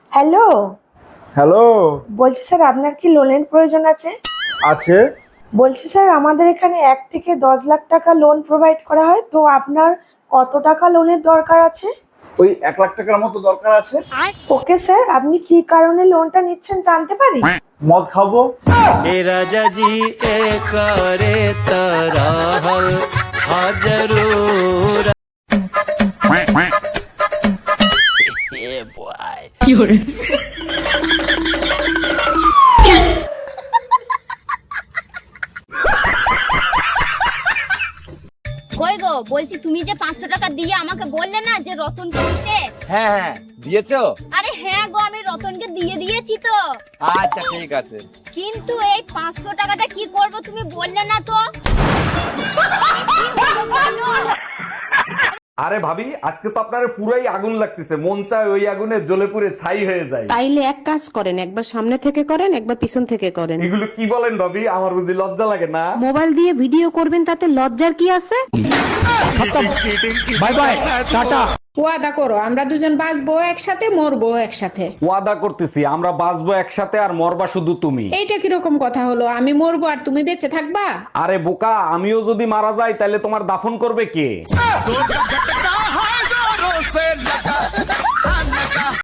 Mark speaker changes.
Speaker 1: Hello.
Speaker 2: Hello.
Speaker 1: বলছি sir আপনার কি লোনের প্রয়োজন আছে?
Speaker 2: আছে।
Speaker 1: বলছি স্যার আমাদের এখানে 1 থেকে 10 লাখ টাকা লোন প্রোভাইড করা হয়, তো আপনার কত টাকা লোনের দরকার আছে?
Speaker 2: ওই 1 লাখ টাকার মতো দরকার আছে।
Speaker 1: ওকে স্যার, আপনি কি কারণে লোনটা নিচ্ছেন জানতে পারি?
Speaker 2: মদ খাবো।
Speaker 3: ए राजा जी ए करे तरहल हाजरूर ये बॉय
Speaker 4: কই গো, বলছি তুমি যে 500 টাকা দিয়ে আমাকে বললে না যে রতনকে দিতে।
Speaker 5: হ্যাঁ হ্যাঁ দিয়েছো?
Speaker 4: আরে হ্যাঁ গো, আমি রতনকে দিয়ে দিয়েছি তো।
Speaker 5: আচ্ছা ঠিক আছে।
Speaker 4: কিন্তু এই 500 টাকাটা কি করব তুমি বললে না তো।
Speaker 6: আরে ভাবি, আজকে তো আপনার পুরাই আগুন লাগতেছে, মন চায় ওই আগুনে জ্বলে পুড়ে ছাই হয়ে যায়।
Speaker 7: তাইলে এক কাজ করেন, একবার সামনে থেকে করেন, একবার পিছন থেকে করেন।
Speaker 6: এগুলো কি বলেন ভাবি? আমার বুঝি লজ্জা লাগে না?
Speaker 7: মোবাইল দিয়ে ভিডিও করবেন, তাতে লজ্জার কি আছে?
Speaker 6: Bye bye, tata.
Speaker 8: ওয়াদা করো আমরা দুজন বাঁচবো একসাথে, মরবো একসাথে।
Speaker 6: ওয়াদা করতেছি, আমরা বাঁচবো একসাথে আর মরবা শুধু তুমি।
Speaker 8: এইটা কিরকম কথা হলো? আমি মরবো আর তুমি বেঁচে থাকবা?
Speaker 6: আরে বোকা, আমিও যদি মারা যাই তাহলে তোমার দাফন করবে কে?